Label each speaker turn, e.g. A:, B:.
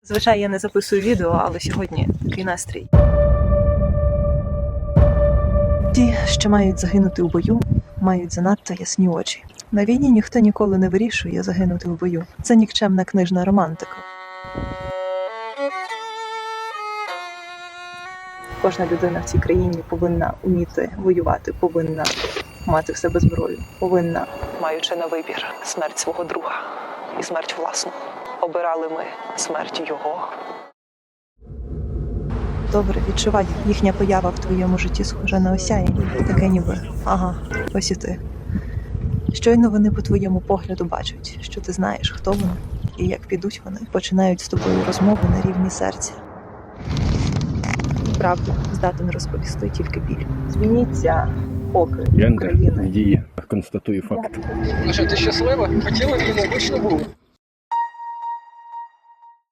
A: Звичайно, я не записую відео, але сьогодні такий настрій. Ті, що мають загинути у бою, мають занадто ясні очі. На війні ніхто ніколи не вирішує загинути у бою. Це нікчемна книжна романтика. Кожна людина в цій країні повинна вміти воювати, повинна мати в себе зброю, повинна, маючи на вибір смерть свого друга і смерть власну. Обирали ми смерть його. Добре, відчувай, їхня поява в твоєму житті схожа на осяяння. Таке ніби, ага, ось і ти. Щойно вони по твоєму погляду бачать, що ти знаєш, хто вони, і як підуть вони, починають з тобою розмову на рівні серця. Правду здатен розповісти тільки біль. Змініться, поки
B: Гендер
A: України.
B: діє, констатую факт.
C: Ну що, ти щаслива? Хотіла війну, хоч не було.